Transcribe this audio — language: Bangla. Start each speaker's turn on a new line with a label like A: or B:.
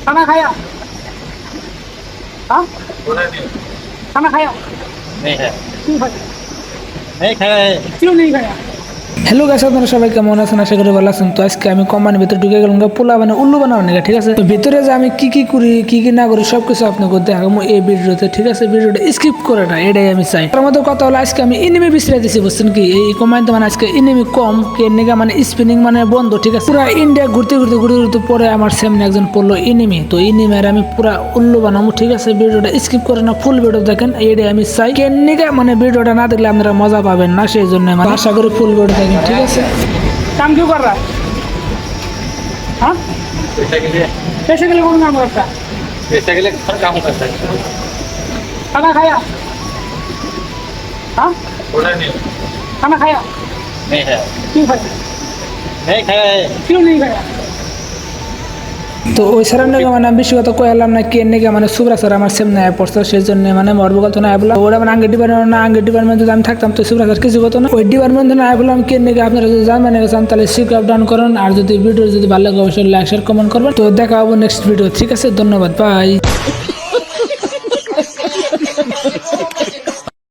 A: खाना खाया? हाँ, खाना खाया?
B: नहीं है,
A: क्यों खाया?
B: नहीं खाया है।
A: क्यों नहीं खाया?
C: হ্যালো গাইস, আপনারা সবাই কেমন আছেন? আশা করি ভালো আছেন। তো আজকে আমি কোম্পানির ভিতরে ঢুকে গেলাম পোলা মানে উল্লু বানাবো না, ঠিক আছে? তো ভিতরে যে আমি কি কি করি কি কি না করি সবকিছু আপনাকে দেখাবো এই ভিডিওতে, ঠিক আছে? ভিডিওটা স্কিপ করে না, এটাই আমি চাই। তার মধ্যে কথা হলো আজকে আমি এনিমি বিছড়াই দিছি, বুঝছেন কি? এই কোম্পানিতে মানে আজকে এনিমি কম কেনিকা মানে স্পিনিং মানে বন্ধ, ঠিক আছে? পুরা ইন্ডিয়া ঘুরতে ঘুরতে ঘুরতে ঘুরতে পরে আমার সামনে একজন পড়লো এনিমি। তো এনিমির আমি পুরা উল্লু বানাবো, ঠিক আছে? ভিডিওটা স্কিপ করে না, ফুল ভিডিও দেখেন, এটাই আমি চাই। কেনিকা মানে ভিডিওটা না দেখলে আপনারা মজা পাবেন না, সেই জন্য মানে আশা করি ফুল ভিডিও দেখেন, ঠিক আছে?
A: काम क्यों कर रहा है? हाँ,
B: पैसा के लिए,
A: पैसे के लिए कौन काम करता है?
B: पैसा के लिए हर काम करता है।
A: खाना खाया? हाँ,
B: थोड़ा नहीं,
A: खाना खाया?
B: नहीं है,
A: क्यों खाया?
B: नहीं खाया है।
A: क्यों नहीं खाया?
C: তো ওই স্যারের নাকি মানে বেশি কথা কইলাম না, কে নাকি মানে সুব্রা স্যার আমার সামনে আয় পড়ছে, সেই জন্য মানে মরবকাল তো না আয় বললাম। ওরা মানে আঙ্গের ডিপার্টমেন্ট না, আঙ্গের ডিপার্টমেন্ট যদি আমি থাকতাম তো সুব্রা স্যার কিছু হতো না। ওই ডিপার্টমেন্ট না আয় বললাম, কে নাকি আপনারা যদি জানবেন চান তাহলে শিখ আপ ডাউন করেন। আর যদি ভিডিও যদি ভালো লাগে অবশ্যই লাইক শেয়ার কমেন্ট করবেন। তো দেখা হবো নেক্সট ভিডিও, ঠিক আছে? ধন্যবাদ, বাই।